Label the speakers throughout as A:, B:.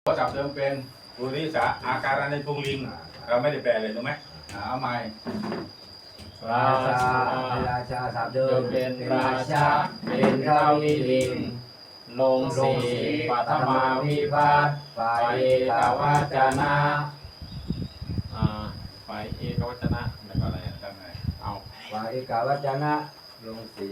A: ก็จับเดิมเป็นปุริสาอาการในพุงลิงเราไม่ได้แปลเลยรู้ไหมเอาใหม่
B: ราชาศัพท์เดิม
C: เป็นราชาเป็นทวีลิงลงสีปัทมาวิภัตฝ่ายเอกวัจนะฝ่ายเอกวัจนะแล้วก็อะไรทำไงเอา
B: ฝ่ายเอกวัจนะลงสี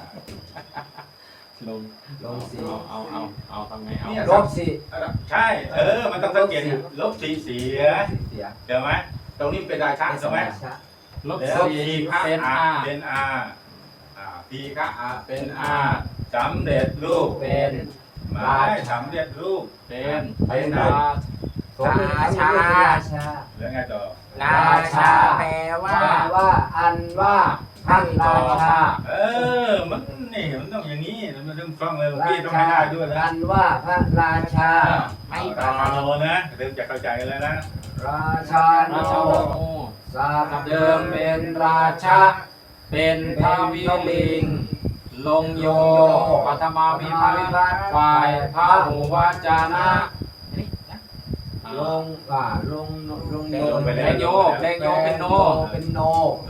C: ลงสีเอาทำไงเอา
B: ลบสี
A: ใช่มันต้องสังเกตลบสีเสียเดี๋ยวไหมตรงนี้เป็นราชาใช่ไหม
C: ลบ
A: สีเป็นอาเป็นอาทีฆะอาเป็นอาสำเร็จรูป
C: เป็น
A: ไม่สำเร็จรูป
C: เป็น
B: ราชา
A: แล้วไงต่อ
B: ราชาแปลว่าอันว่าท่านราชา
A: มันนี่มันต้องอย่างนี้มันต้องฟังเลยพี่ต้องให้ได้ด้วยนะ
B: อันว่าพระราชา
A: ไม่ราชาโนนะเริ่มจะเข้าใจแล้วนะ
B: ราชาโนศัพท์เดิมเป็นราชา
C: เป็นทวีลิงลงโยปัทมาวิภัตฝ่ายพระหูวัจนะ
B: ลง
C: แดงโยเป็นโน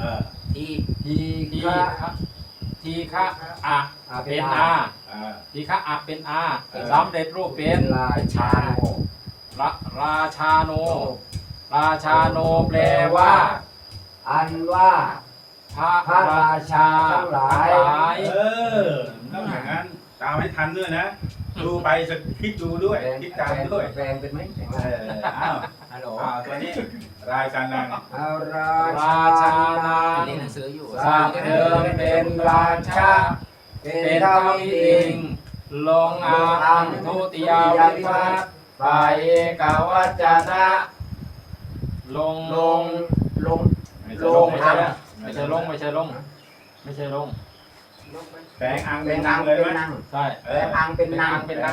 C: ทีฆะอะเป็นอาทีฆะอะเป็นอาสำเร็จรูปเป็น
B: ราชาโน
C: ราชาโนแปลว่า
B: อันว่าพระราชาทั้งหลาย
A: ต้องอย่างนั้นตามให้ทันด้วยนะดูไปคิดดูด้วยคิดตามด้วย
B: แปลงเป็นไหม
A: ฮัลโหลตัวนี้ราชานัง
C: ราชานัง
B: หนังสืออยู่
C: ศัพท์เดิมเป็นราชาเป็นทวีลิงลงอังทุติยวิภัตฝ่ายเอกวัจนะลงไม่ใช่ลง
A: แปลงอังเป็นนางเลยไหม
C: ใช่
B: แปลงอังเป็นนาง
C: เป็นนาง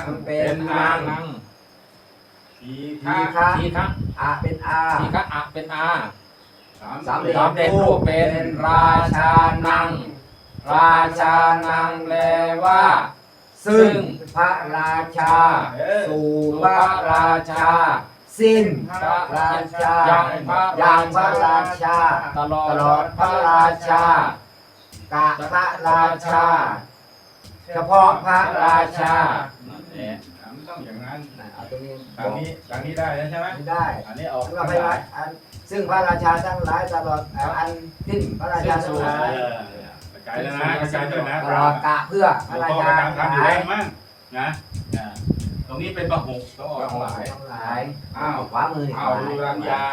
A: ที
C: ฆะ
B: อะเป็นอา
C: ทีฆะอะเป็นอา
B: สามเ
C: ด็จรูปเป็นราชานังแปลว่าซึ่ง
B: พระราชาสู่พระราชาสิ้นพระราชาอย่างพระราชา
C: ตลอด
B: พระราชากะพระราชาเฉพาะพระราชา
A: ต้องอย่างนั้น
B: ตรงนี้
A: ได้ใช่ไหม
B: ได้
A: อันนี้ออก
B: ว่าพระราชาซึ่งพระราชาทั้งหลายตลอดอันสิ้นพระราชาทั้งหลาย
A: กายแล้วนะกายด้วยนะ
B: ตลอดกะเพื่อพระราชา
A: ทั้งหลายมั่งนะตรงนี้เป็นประหกต้องออกทั้งหลาย
B: ขวามือ
A: รัญญา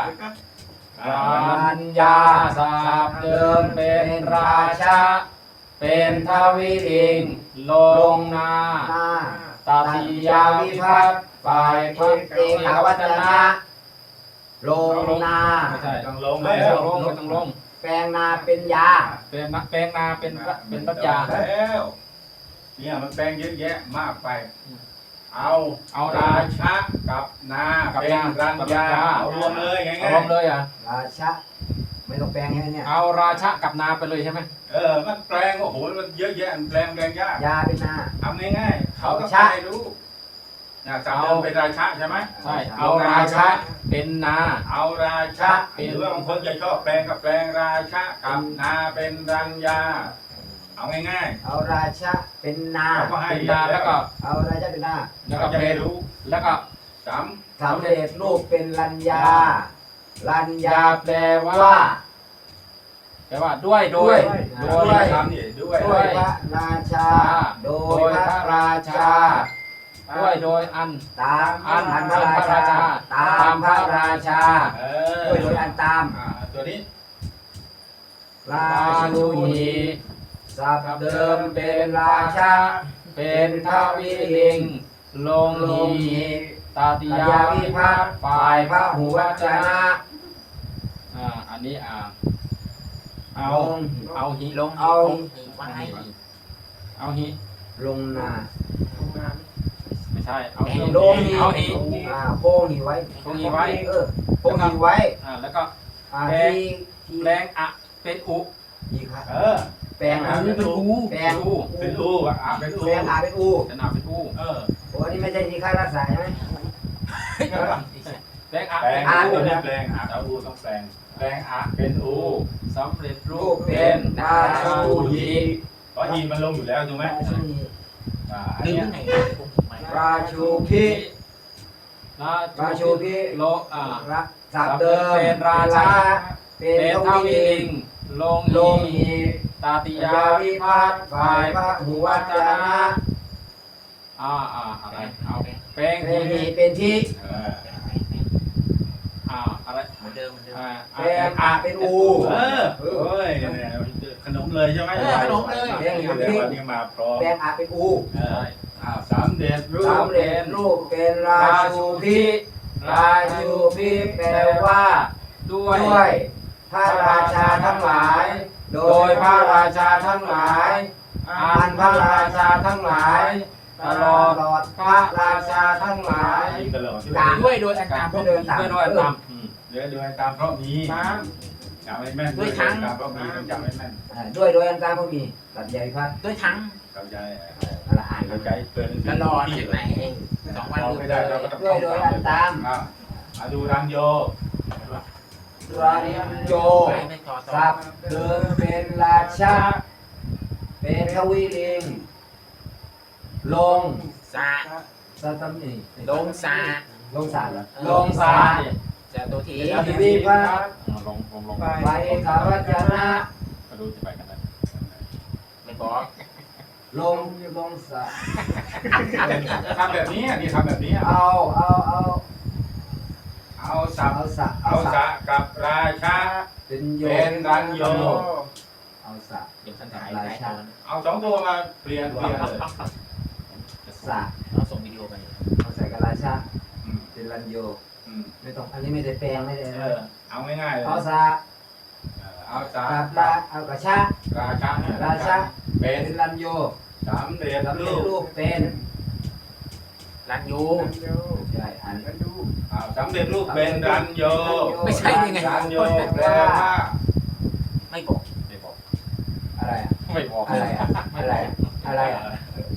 C: ศัพท์เดิมเป็นราชาเป็นทวีลิงลงนาตติยวิภัตฝ่ายพระเอกวัจนะ
B: ลงนา
A: ไม่ใช่ต้องลง
C: ไม่ต้องลง
B: แปลงนาเป็นยา
C: แปลงนาเป็นปัญญา
A: แล้วเนี่ยมันแปลงเยอะแยะมากไปเอาราชะกับนาเป็นรัญญาเอารวมเลยง่ายๆ
C: รวมเลย
B: ราชะไม่ต้องแปลงให้เนี่ย
C: เอาราชะกับนาไปเลยใช่ไหม
A: มันแปลงโอ้โหมันเยอะแยะมันแปลงยาก
B: ยาเป็นนา
A: ทำง่ายๆเขาต้องใช้รู้จำเดิมเป็นราชะใช่ไหม
C: ใช่เอาราชะเป็นนา
A: เอาราชะเป็นเรื่องคนจะชอบแปลงกับแปลงราชะกับนาเป็นรัญญาเอาง่าย
B: ๆเอาราชะเป็นนา
C: เป็นนาแล้วก็
B: เอาราชะเป็นนา
C: แล้วก็เป็นรู้แล้วก็
B: สำเร็จรูปเป็นรัญญา
C: แปลว่าด้วย
B: พระราชาโดยพระราชา
C: โดยอัน
B: ตามพระราชาตามพระราชาโดยอันตาม
A: ตัวนี้
B: ราชูนีศัพท์เดิมเป็นราชา
C: เป็นทวีลิงลงหีตติยวิภัตฝ่ายพระหูวัจนะอันนี้เอาหิลง
B: เอา
C: หิ
B: ลงนา
C: ไม่ใช่เอาหิ
B: ลงหิโพงหิไว้
C: โพงหิไว้แล้วก็แปลงอะเป็นอุ
B: แปลงเป็นอู
A: เป็นอูเป็นอู
B: แปลงเป็นอู
C: เป็นอู
B: โอ้นี่ไม่ใช่ทีฆะรักษาใช่ไหม
C: แปลงอะ
A: แปลง
B: อ่ะ
A: ตัวนี้แปลงอะอูต้องแปลงแปลงอะเป็นอู
C: สำเร็จรู
B: รู
C: ป
B: ป
C: เป็
B: เป็น นราชูหี
A: เพราะอีมันลงอยู่แล้วถูกไหมอัน
D: ลืม
A: เนี้ย
D: ที่ไหน
B: ราชูพิ
C: ราชูพิ
B: พิ
C: โล
B: รักสับเดิม
C: เป็นราชา
B: เป็
C: เป็น น
B: ท
C: เท่า
B: วี
C: วิ
B: ลิ
C: ลิ
B: ง
C: งลง
B: ลง
C: อี
B: หี
C: ตาติ
B: ยาย
C: า
B: วิ
C: วิ
B: พั
C: พั
B: ฒ
C: ฒ
B: น์
C: น์
B: ฝ่า
C: ฝ่าย ย
B: พระหุวัจนะ
C: อะไรเอาแปลง
B: เป็นหีเป็นที่
A: เออ
C: อะไร
D: เหมือนเดิมเหมือนเดิม
B: เป็นอาเป็นอู
A: เออโอ้ยเนี่ยขนมเลยใช่ไหม
D: ขนมเลย
A: เดี๋ยววันนี้มาพร้อม
B: เป็นอาเป็นอู
A: เออสามเด็จรูป
B: สำเร็จรูปเป็นราชูพิราชูพิแปลว่า
C: ด้วย
B: ด้วยพระราชาทั้งหลาย โดยพระราชาทั้งหลายอันพระราชาทั้งหลายตลอดพระราชาทั้งหลาย
A: ยิงตลอด
D: ด้วยโดยอันตาม
B: ก็เดินตาม
C: ด้วยตาม
A: เดี๋ยวดูให้ตามเพราะมีจำไม่แม่นตามเพราะมีต้องจำไม่แม่น
B: ด้วยโดยอันตามพวกมีตัดใหญ่พัด
D: ด้วยทั้ง
A: เข้าใจ
B: ละอ่าน
A: เข้าใจเปิด
D: ตลอดจากไหน2 วัน
A: ไม่ได้เราก็ต้อง
B: ด้วยโดยอันตาม
A: มาดูรังโย
B: รันโย
D: ไปไม่ต่อ
B: สับเดิมเป็นราชาเป็นทวีลิงลง
D: สา
B: สตัมนี่
D: ลงสา
B: ลงสารเหรอ
C: ลงสา
D: จะตัวที
B: อธิวิพัฒน์
C: ลง
B: ไปเอกวัจนะ
C: มาดูจะไปกันนะ
D: ไม่บอก
B: ลงสาร
A: ทำแบบนี้นี่ทำแบบนี้
B: เอา
A: สับ
B: เอาสะ
A: กับราชา
B: เป็นโย
A: เป็นรันโย
B: เอาสะ
D: เดี๋ยวท่านถ่ายหลายตัว
A: เอาสองตัวมาเปลี่ยนเลย
B: สะ
D: เราส่งวิดีโอไป
B: เอาใส่กับราชาเป็นรันโยไม่ต้องอันนี้ไม่ได้แปลงไม่ได้
A: เอาง่ายๆเลย
B: เอาสะ
A: เอาสา
B: กับราเอากับชา
A: ราชาเป็
B: เป็น นรันโย
A: สามเด็จ
B: สำเร็
A: รู
B: จ
A: ป
B: รูปเป็น
D: รันยู
B: ใช่อัน
A: สามเด็จรูปเป็นรันโย
D: ไม่ใช่ยังไง
A: รันโยแปลว่า
D: ไม่บอก
C: ไม่บอก
B: อะไรอ่ะ
C: ไม่บอก
B: อะไรอ่ะอะไรอ่ะ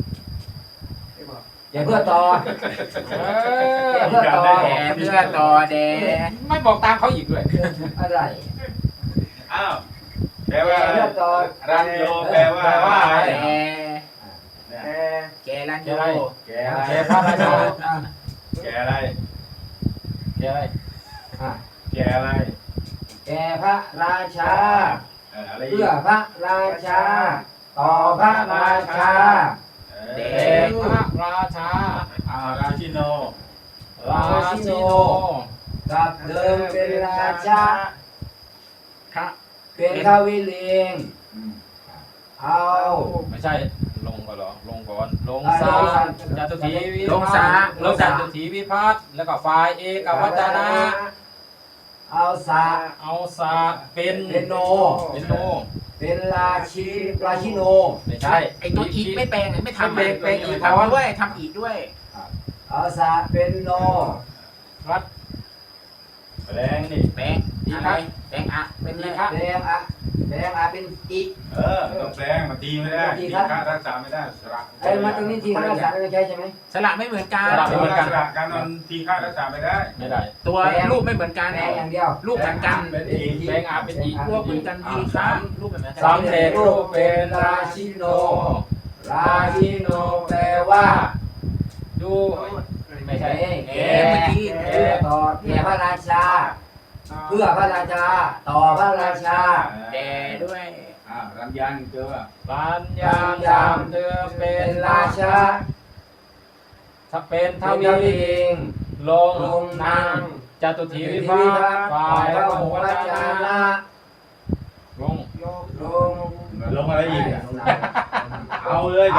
B: อย่าเพื่อต่ออย่าเพื่อต่อ
D: แดเพื่อต่อแด
C: ไม่บอกตามเขาอีกด้วย
B: อะไร
A: อ้าวแปลว่า
B: อย่าเพื่อต่อ
A: รันโยแปลว่าอะไร
D: แด
A: เนี่ย
D: แกรันยู
A: แกอะไร
C: แกพระราชา
A: แกอะไร
C: แกอะไร
B: อ่ะ
A: แกอะไร
B: แก่พระราชา
A: อะไรอี
B: เพื่อก พระราชา ต่อพระราชา
C: แกพระราชา
A: ราชิโน
C: ราชิโน
B: กับเดิมเป็นราชา
D: พระ
B: เป็นทวิลิงเอา
C: ไม่ใช่ลงก่อนเหรอลงก่อนลง
B: อ่า
C: สา
B: ลงสา
C: จตุถีวิพัฒน์ลงจตุถีวิพัฒน์แล้วก็ฝ่ายเอกวัจนะ
B: เอาสะ
C: เอาสาเป็น
B: เป็นโน
C: เป็นโน
B: เป็นราชิโน
C: ไม่ใช่
D: ไอตัวอีกไม่แปลงไม่ทำ
C: เป็นอีก
D: ทำด้วยทำอีกด้วย
B: เอาสะเป็นโน
C: รัฐ
A: แปลงนี่
D: แปลงอะไรแปลงอะเป็นอะไร
B: แดงอะเป็นอี
A: ต้องแปลงมาตีไม่ได้ตีค่ารักษาไม่ได้สระ
B: ไอ้มาตรงนี้ทีข้าราชการไม่ใช่ใช่ไหม
D: สระไม่เหมือนกัน
A: สระการนอนตีค่ารักษาไม่ได้
C: ไม่ได้
D: ตัวรูปไม่เหมือนกัน
B: แดงอย่างเดียว
D: รูปเหมือนกัน
A: เป็นอีก
C: แปลงอาเป็นอีก
D: รูปเหมือนกันทีครับรูปเหมือนกัน
C: สามเด็จรูปเป็นราชิโน
B: ราชิโนแปลว่า
C: ดูไม่ใช่
B: แก่เพื่อต่อแก่พระราชา เพื่อพระราชา ต่อพระราชา
D: แดด้วย
A: รันยังเจอ
C: ปัญญายามเธอเป็
B: เป็น นราชา
C: ถ้าเป็นท
B: ท
C: วี
B: วีลิง
C: ลง
B: ลงนาง
C: จตุถีวิภัตฝ่ายพระโหราชา
B: นะ
C: ลง
B: ลง
A: อะไรอีก เอาเลย
B: เอา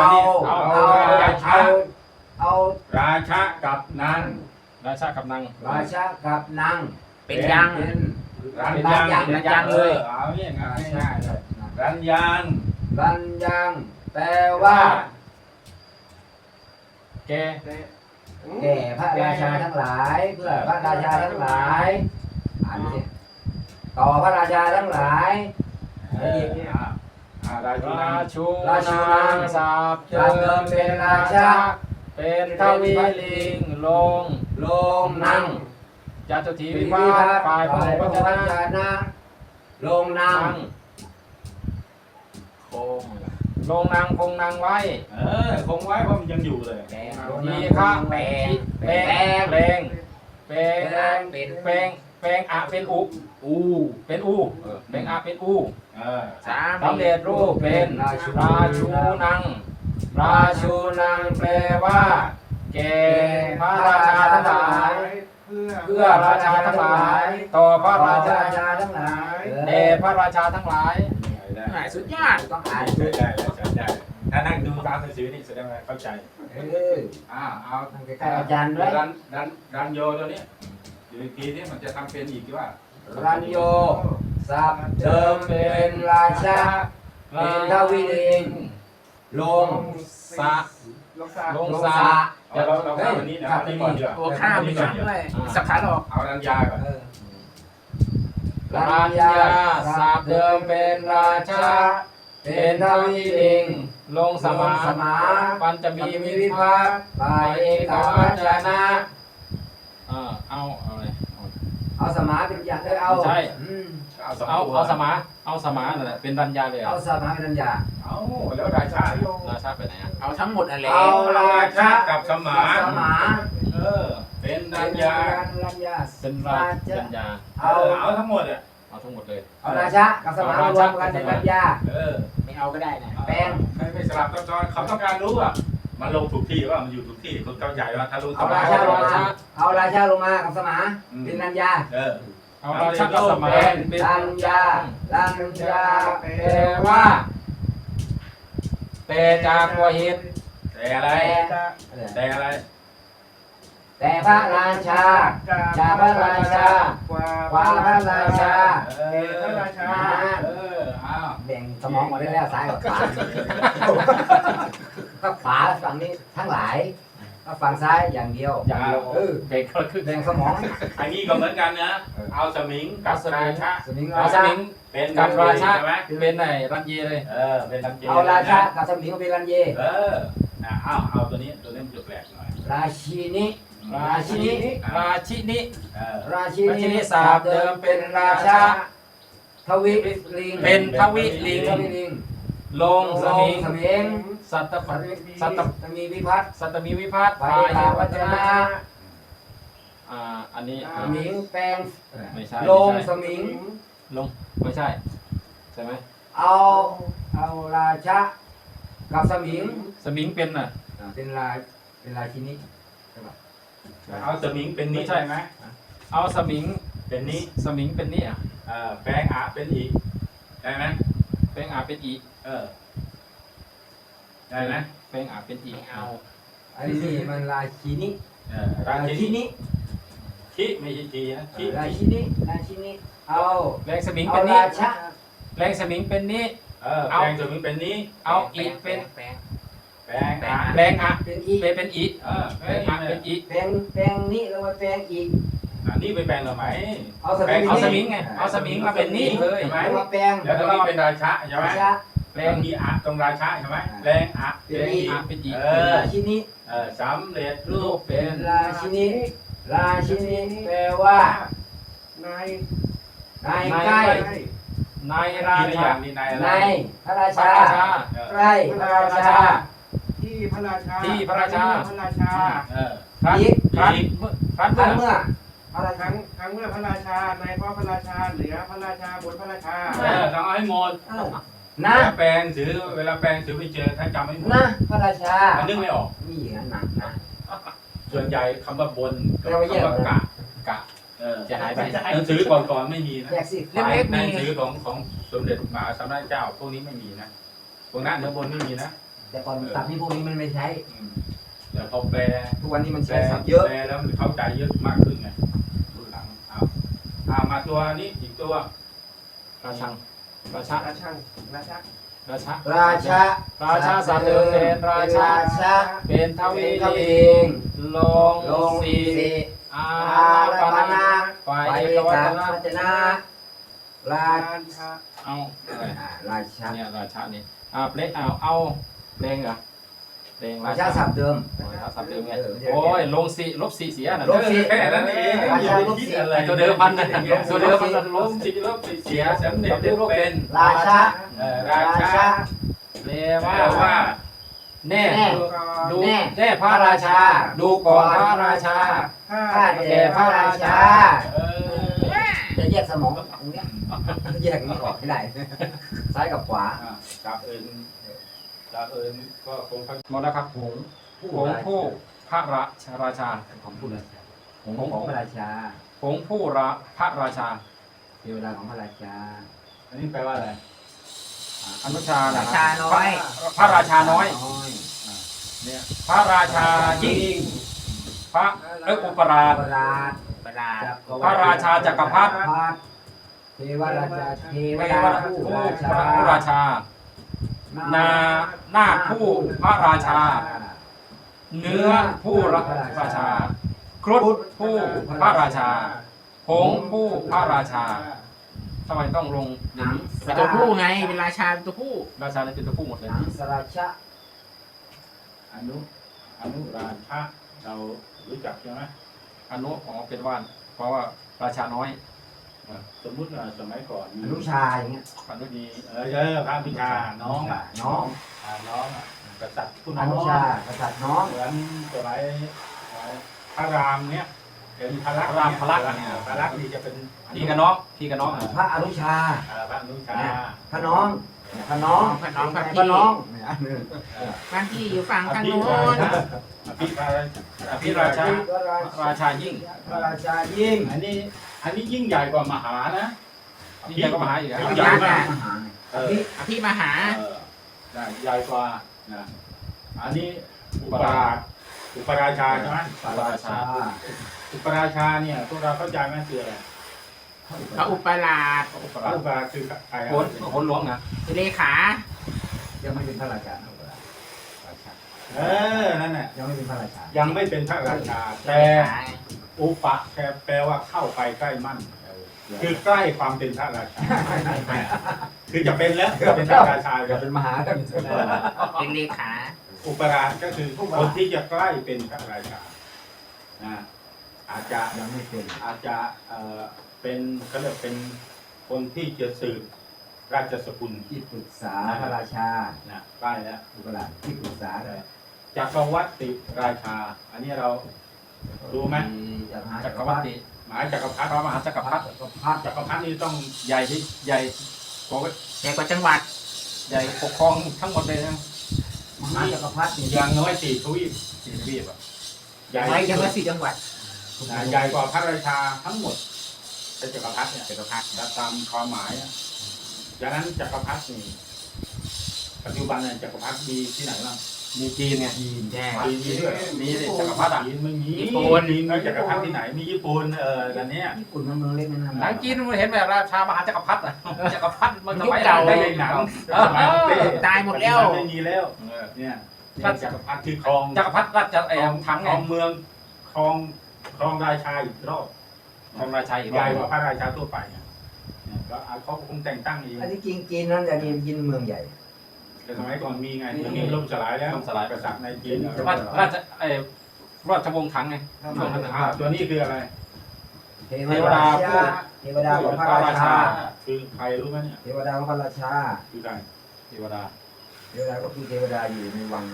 A: เอา ราชากับนาง
C: ราชากับนาง
B: ราชากับนาง
D: เป็นยัง
B: เป็น
A: รัน
D: รันยังเลย
A: เอาเนี่ยง่ายเลยรันยัง
B: รันยังแปลว่า
C: แก
B: แก่พระราชาทั้งหลาย เพื่อพระราชาทั้งหลายอ่านสิต่อพระราชาทั้งหลาย
A: ราชูนาง
C: ราชูนางสาบเจ
B: จากเดิมเป็นราชา
C: เป็นทวีลิงลง
B: ลงนั่ง
C: จตุที
B: วิ
C: วิ
B: พั
C: ภั
B: ฒ
C: ต
B: น์
C: ฝ่ายพ
B: ฝ่าย
C: หุ
B: พ
C: ว
B: หุ
C: จ
B: ว
C: นะ
B: จนะลงนั่ง
D: โค้ง
C: ลงนางคงนางไว้
A: คงไว้เพราะมันยังอยู่เลย
D: แปลง
C: ทีฆะ
D: แปลง
C: แปลงแปลงแปลง
D: เป็น
C: แปลงแปลงอะเป็นอุเป็นอูแปลงอะเป็นอู
D: สาม
C: สำเร็จรูปเป็นราชูนัง ราชูนังแปลว่าแก่พระราชาทั้งหลาย เพื่อราชาทั้งหลาย ต่อพระราชา
B: ทั้งหลาย
C: แด่พระราชาทั้งหลาย
D: หายสุดยอด
B: ต้องอ่าน
A: ใช้ได้แล้วใช้ได้ถ้านั่งดูตามหนังสือนี่แสดงว่าเข้าใจ เอา
B: ตั้งใกล้ๆอาจารย์ด้วย
A: รันโยตัวนี้อยู่อีกทีนี้มันจะทำเป็นอีกที่ว่า
B: รันโยสับเดิมเป็นราชาเป็นทวีลิงลง
C: สะลงสะ
A: เราข้ามวันนี้นะนี่ก่อนดีกว่า
D: ตัวข้ามมีชั้นด้วยสักขาหลอก
A: เอารัญญาก่อน
C: ราชาสาบเดิมเป็นราชา เป็นทวีลิง ลงสมา
B: สมา
C: ปัญจะมี
B: มี
C: วิ
B: วิ
C: ภั
B: ภั
C: ต
B: ตฝ่ายเอกวัจนะ
C: เอาเลย
B: เอาสมาเป็นอย่างเอา
C: ใช่
A: เอา
C: สมานั่นแหละเป็นรัญญาเลย
B: เอาสมาเป็นอย่าง
A: เอาแล้วราชา
C: ราชาไปไหนอ่ะ
D: เอาทั้งหมดอะไร
B: เอาราชา
A: กับสมา
B: สมา
A: เป็นรัญญา
B: รัญญา
C: เป็นรัญญา
A: เอาทั้งหมดอ่ะ
C: เอาทั้งหมดเลย
B: เอาราชากับสมารวมกันเป็นรัญญา
D: ไม่เอาก็ได้นะ
B: แป้ง
A: ไม่สลับซับซ้อนเขาต้องการรู้ว่ามันลงถูกที่ว่ามันอยู่ถูกที่คนเข้าใจว่าถ้ารู้
B: เอาราชาลงมาเอาราชาลงมากับสมาเป็นรัญญา
C: เอาราชากับสมาเป็น
B: รัญญารัญญา
C: แปลว่าแต่จากหัวหิน
A: แต่อะไรแต่อะไร
B: แต่พระราชาจากพระราชาความพระราชา
A: อ้าว
B: แบ่งสมองมาได้แล้วซ้ายกับขวาก็ขวาฝั่งนี้ทั้งหลายก็ฝั่งซ้ายอย่างเดียว
C: อย่างเดียวเก่งก็คือ
B: แบ่งสมอง
A: อันนี้ก็เหมือนกันนะเอาสมิงกับราชา
B: สมิง
C: เอา
B: รา
C: ส
B: ชา
C: มิง
A: เป็นใช่ไหม
C: เป็นไหนรัญเยเลย
A: เป็นรัญเย
B: เอาราชากับสมิงก็เป็นรัญเย
A: เอาตัวนี้มันจะแปลกหน่อย
B: ราชินี
C: ราชินีราชินี
B: ราชิ
C: ราชิ
B: นี
C: นีสาบเดิมเป็นราชา
B: ทวิลิง
C: เป็นทวิลิง
B: ทวิลิง
C: ลงสมิง
B: สมิง
C: สัตต
B: สัตมีวิพัฒน์
C: สัตมีวิภัต
B: ไปตาวัจนะ
C: อันนี้
B: สมิงแปลง
C: ไม่ใช่
B: ลงสมิง
C: ลงไม่ใช่ใช่ไหม
B: เอาราชากับสมิง
C: สมิงเป็นน่ะ
B: เป็นราชินี
A: เอาสมิงเป็นนี้ใช่ไหม
C: เอาสมิง
A: เป็นนี้
C: สมิงเป็นนี่อ่ะ
A: แปลงอาเป็นอีกได้ไหม
C: แปลงอาเป็นอี
A: ได้ไหม
C: แปลงอาเป็นอี
D: ไม่เอา
B: อันนี้มันราชินี
A: รา
B: รา
A: ชิ
B: ชิ
A: นี
B: นี
A: คิไม่ใช่จีนะคิ
B: ราชินีเอา
C: แรงสมิง
B: เอา
C: เป็นนี่
B: ราชา
C: แรงสมิงเป็นนี่
A: แปลงสมิงเป็นนี้
C: เอาอีเป็น
D: แปลง
A: แปลงอา
C: แรงอะ
B: เป็นอีก
C: เป็นอี
A: แป
C: แป
A: ล
C: ล
A: ง
C: ง
A: อา
C: อะเป็นอี
B: แปลงนี้แล้วมาแปลงอีก
A: นี่ไปแปลงหรือไหม
B: เอาสมิง
C: เอาสมิงไงเอาสมิงมาเป็นนี่เลย
B: แล้วมาแปลง
A: แล้วตรงนี้เป็นราชาใช่ไหม
B: ราชา
C: แปล
A: แรง งมีอาตรงราชาใช่ไหมแรงอา
C: แรงอะเป็นอี
B: ราชินี
A: สำเร็จรู
C: รู
A: ป
C: ปเป็น
B: ราชินีราชินีแปลว่าน
E: าย
B: นายใกล้
C: นาย
A: รา
C: รา
A: ชา
C: ชา
A: มีนายอะไร
B: นายพระรา
C: พระ
B: ชา
C: ราชา
B: ใกล้พระราชา
E: ที่พระราชา
C: ที่พระราชา
E: พระราชา
C: ครั้น
B: อีก
C: ครั้นครั้น
B: ครั้งเมื่อพระรา
E: ค
B: ชา
E: รั้งเมื่อพระราชาในเพราะพระราชาเหลือพระราชาบนพระราชา
A: ต้องเอาให้หมด
B: นะ
A: แปลงถือเวลาแปลงถือไปเจอถ้าจำไม่หมด
B: นะพระราชา
A: มันนึกไม่ออก
B: นี่อย่างนั้นนะ
A: ส่วนใหญ่คำว่าบนกับ
B: เราไม่แยก
A: คำว่ากะ
C: กะ จะหายไป
A: หนังสือก่อนๆไม่มีนะ
B: แยกสิ
D: เล็กๆ
A: ห
D: มี
A: นังสือของสมเด็จมหาสมณเจ้าพวกนี้ไม่มีนะพวกนั้นเนื้อบนไม่มีนะ
B: แต่ก่อนตัดนี่พวกนี้มันไม่ใช้
A: แต่พอแปล
B: ทุกวันนี้มัน
A: แปล
B: ใช้ศัพท์เยอะ
A: แปลแล้วมันเข้าใจเยอะมากขึ้นไงรุ่นหลังมาตัวนี้อีกตัว
C: ราชังราชา
E: ราชังราชา
C: ราชา
B: ราชา
C: ราชาสามเดิมเป็นราชา
B: ชา
C: เป็นท
B: เป็
C: วี
B: นทวี
C: ลิง
B: ง
C: ลง
B: ลง
C: สี
B: สี
C: อา
B: อา
C: ปา
B: ปา
C: นา
B: นา
C: ฝ่าย
B: ไป
C: เอกวั
B: ตา
C: ฒนะ
B: วัจนะรา
E: ราชา
C: เอา
B: ราชา
C: เนี่ยราชานี่เล็กเอาเพลงเหรอเพลง
B: ราชาศัพท์เดิม
C: ศัพท์เดิมไงโอ้ยลงสีลบสีเสียน่ะ
B: ลบสี
C: แค่นั้นเอง
B: ราชาลบสี
C: ตัวเดิมพันนะตัวเดิมมันลบสีลบสีเสียฉันเด็กลบเป็น
B: ราชา
A: ราชา
C: แปล
A: แปล
C: ว่า
A: ว่า
C: แน่ ดู
B: แน่
C: แน่พระราชา ดูก่อนพระราชา
B: ข้าแก่พระราชา
A: เออ
B: จะแยกสมองตรงเนี้ยแยกนี้ออกให้ได้ ซ้ายกับขวา
A: จากเอิญก็คง
C: หมดแล้วครับผงผู้พระราชา
B: ของผู้ราชาของพระราชา
C: ผงผู้พระราชา
B: เทวดาของพระราชา
A: อันนี้แปลว่าอะไร
C: อนุชา
D: ราชาน้อย
C: พระราชาน้อย
A: เนี่ย
C: พระราชายิ่งพระอุปราช
B: พระราช
D: ประหลาด
C: พระราชาจักรพรรดิ
B: เทวราชาเทว
C: เท
B: ดาว
C: ดา
B: ผู้
C: ผู้
B: ราชา
C: พระราชา นาผู้พระราชา เนื้อผู้ราชา ครุฑผู้พระราชา ผงผู้พระราชาทำไมต้องลงอย่างนี้
D: เป็นตัวผู้ไงเป็นราชาเป็นตัวผู้
C: ราชาเลยเป็นตัวผู้หมดเลย
B: สราชะ
A: อนุราชาเรารู้จักใช่ไหม
C: อนุเป็นว่านเพราะว่าราชาน้อย
A: สมมุติสมัยก่อน
B: อนุชาอย่างเงี้ย
C: อนุดี
A: พระพิชาน้อง
B: น้อง
A: น้องกษัตริย์ผู้น้
B: อ
A: อง
B: นุชากษัตริย์น้อง
A: เหมือนสมัยพระรามเนี่ยเป็นพระลักษณ์พระลักษณ์นี่จะเป็น
C: พี่กับน้องพี่กับน้อง
B: พระอนุชา
A: พระอนุชา
B: พระน้องพระน้อง
D: พระน้องพระ
B: พ
D: พี่
B: ระน้อง
D: บางที่อยู่ฝั่งทางโน้น
C: อภิราชาราชายิ่ง
B: พระราชายิ่ง
A: อันนี้ยิ่งใหญ่กว่ามหานะ
C: ยิ่งใหญ่ก็มหาอีก
A: ยิ่งใหญ่มาก
D: อภิมหา
A: ใหญ่กว่านะอันนี้อุปราชาใช่ไหม
C: พระราชา
A: อุปราชาเนี่ยพวกเราเข้าใจไหมคืออะไร
D: พระอุปราช
C: อุป
A: พระ
C: ราช
A: อุปราชคือใคร
C: คนหลวงนะ
D: เลขา
B: ยังไม่เป็นพระราชา
A: นั่นแหละ
B: ยังไม่เป็นพระราชา
A: ยังไม่เป็นพระราชา แต่อุปะแปลว่าเข้าไปใกล้มั่น คือใกล้ความเป็นพระราชา คือจะเป็นแล้วจะเป็นพระราชา
B: จะเป็นมหากัน
D: เป็นเลขา
A: อุปราชก็คือคนที่จะใกล้เป็นพระราชาอาจจะ
B: ยังไม่เป็น
A: เป็นเขาเรียกเป็นคนที่จะสืบราชสกุล
B: ที่ปรึกษาพระราชา
A: นะใกล้แล้ว
B: อุปราชที่ปรึกษาเลย
A: จักรวรรดิราชา อันนี้เรารู้ไหม
C: จักรวรรดิ
A: หมายจักรพรรดิ
C: พระมหาจักรพรรดิ
A: จักรพรรดินี่ต้อง
C: ใหญ่ที่ใหญ่ปก
D: ใหญ่กว่าจังหวัด
C: ใหญ่ปกครองทั้งหมดเลยนะ
B: มหาจักรพรรดิ
A: อย่างน้อย4 ทวีป
C: สี่ทวีปอ่ะ
A: ใหญ่
D: ไว้ยังว่า4จังหวัด
A: ใหญ่กว่าพระราชาทั้งหมดเป็นจักรพรรดิเนี่ย
D: จักรพรรดิ
A: ตามความหมายดังนั้นจักรพรรดินี่ปัจจุบันเนี่ยจักรพรรดิมีที่ไหนบ้าง
C: มีจีนไง
D: แย่
A: จีนมีด้วย
C: มีสิจักรพรรดิอ่ะ
A: จีนไม่มี
D: ญี่ปุ่น
A: มีจักรพรรดิที่ไหนมีญี่ปุ่นแต่เนี้ย
B: ญี่ปุ่นมันเมืองเล็กนั่น
C: หนังจีนมันเห็นแบบราชามหาจักรพรรดิอ่ะจักรพรรดิมัน
D: ยุคเก่า
A: ได้หนังสมัยเต้
D: ตายหมดแล้ว
A: ไม่มีแล้วเนี่ยจักรพรรดิคือครอง
C: จักรพรรดิราชทั้ง
A: ค
C: ไง
A: รองเมืองครองราชาอีกรอบ
C: ของราชาอีก
A: ใหญ่กว่าพระราชาทั่วไปเนี่ยก็เขาคงแต่งตั้งเอง
B: อันที่จริงจีนนั้นจะมีจีนเมืองใหญ่
A: แต่สมัยก่อนมีไงมันมีล่มสลายแล้วกษัตริย์ในจีน
C: ราชวงศ์ถังไงช่วงนั้น
A: ตัวนี้คืออะไร
B: เทวดาเทวดาของพระราชา
A: คือใครรู้ไหมเนี่ย
B: เทวดาของพระราชา
A: คือใคร
C: เทวดา
B: เทวดาก็คือเทวดาอยู่ในวัง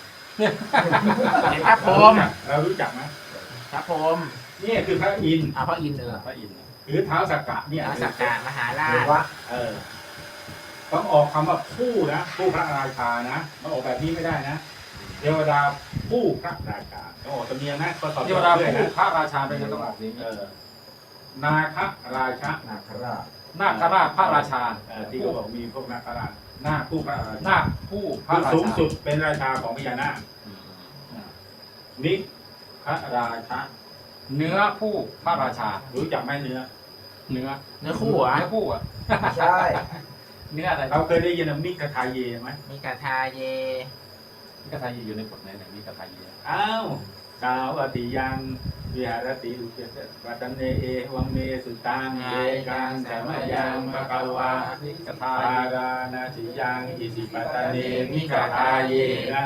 D: เป็นพระพรหม
A: เรารู้จักไหม
D: พระพรหม
A: นี่คือพระอินทร์
D: พระอินทร์
C: พระอินทร์
A: หรือเท้าสักกะเนี่ย
D: พระสักการมหารา
B: เท
D: ช
B: วะ
A: ต้องออกคำว่าผู้นะผู้พระราชานะต้องออกแบบนี้ไม่ได้นะเทวดาผู้พระราชาต้องออกตำเนียงนะก็ตอบ
C: เทวดา
A: ด้วย
C: ผู้
A: นะ
C: พระราชาเป็นต้องออกนี้
A: นาคราชา
B: นาคราช
C: นาคราชพระราชา
A: ที่เขาบอกมีพวกนาคราชนาคผู้พระราชา
C: นาคผู้พระ
A: คือ
C: รา
A: สูง
C: ชา
A: สุดเป็นราชาของพญานาคนิพระราชา
C: เนื้อผู้พระราชา
A: รู้จักไหมเนื้อ
C: เนื้อ
D: เนื้อคู่เหรอ
C: เนื้อผู้อ่ะ
B: ใช่
C: เนื้ออะไร
A: เราเคยได้ยินมิกทายเยไหม
D: มีกาทาเย
C: มิกทายอยู่ในบทไหนมิกทาย
A: อ้าวกาวติยังวิหารติอุเกตวัตเนเอวังเมสุตังเอกังสมยังปะกวา
C: มิกทา
A: ปารานาติยังอิสิปตะเนมิกทายเยนะ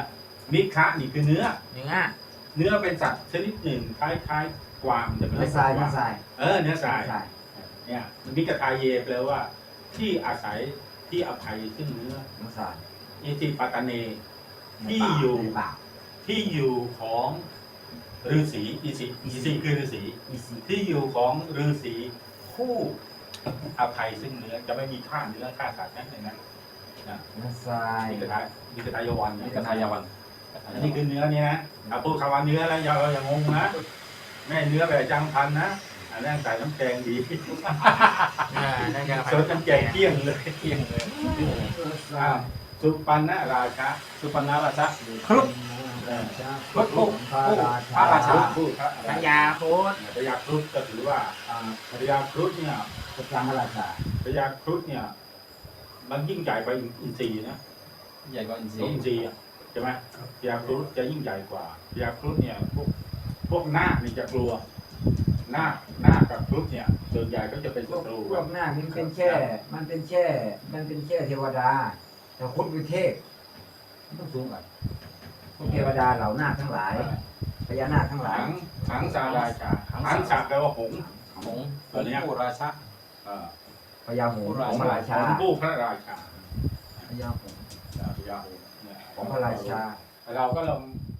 A: นิคะนี่คือเนื้อ
D: เนื้อ
A: เนื้อเป็นสัตว์ชนิดหนึ่งคล้ายๆกวางแต่ไม่
B: เนื้
A: ใช่
B: อทราย
A: กวาง
B: เนื้อทราย
A: เนื้อทราย
B: เนื้อทราย
A: เนี่ยมิกทาเยแปลว่า ที่อาศัยที่อภัยซึ่งเนื้อ
B: เนื้อทราย
A: อิติปัตตเน
B: ใน
A: ที่
B: ป่า
A: อยู่
B: ในป่า
A: ที่อยู่ของฤาษีอิสิคือฤาษี
B: อีซี
A: ที่อยู่ของฤาษีผู้อภัยซึ่งเนื้อจะไม่มีฆ่าเนื้อฆ่าสัตว์นั่นเองนะ
B: เนื้อทราย
A: มิกทายวัน
C: นี่กทายาวัน
A: อันนี้คือเนื้อเนี่ยนะถ้าพูดคำว่าเนื้อแล้วอย่างงงนะแม่เนื้อแบบจังพันนะอันนั้นใส่น้ำแกงดี
D: นั่นก็
A: สดน้ำแกงเกลี้ยงเลย
C: เที่ยงเลย
A: อ้าวสุปันนะราชา
C: สุปรรณราชะครุฑ
B: พระผู้พระรา
C: พระราชา
B: ชา
A: พูดพระ
D: พญาโคตร
A: พญาครุฑก็ถือว่าพญาครุฑเนี่ย
B: พระราชา
A: พญาครุฑเนี่ยมันยิ่งใหญ่กว่าอินทรีย์นะ
C: ใหญ่กว่าอินทรี
A: อินทรีย์อะใช่ไหมพญาครุฑจะยิ่งใหญ่กว่าพญาครุฑเนี่ยพวกนาคนี่จะกลัวนาคกับครุฑเนี่ยส่วนใหญ่ก็จะเป็น
B: พ
A: ศั
B: วก
A: ตรู
B: พวกหน้ามันเป็นแค่เทวดาแต่คุณเป็นเทพมันต้องสูงกว่าพวกเทวดาเหล่านาคทั้งหลายพญานาคทั้งหลาย
A: หังสาราชาหังสาแปลว่าหงส์
C: หงส์ผู้ราชะ
B: พญาหงส์ของพระราชา
A: หงส์ผู้พระราชา
B: พญาหงส์
A: พญาหงส์เนี่ย
B: ของพระราชา
A: เราก็ลอง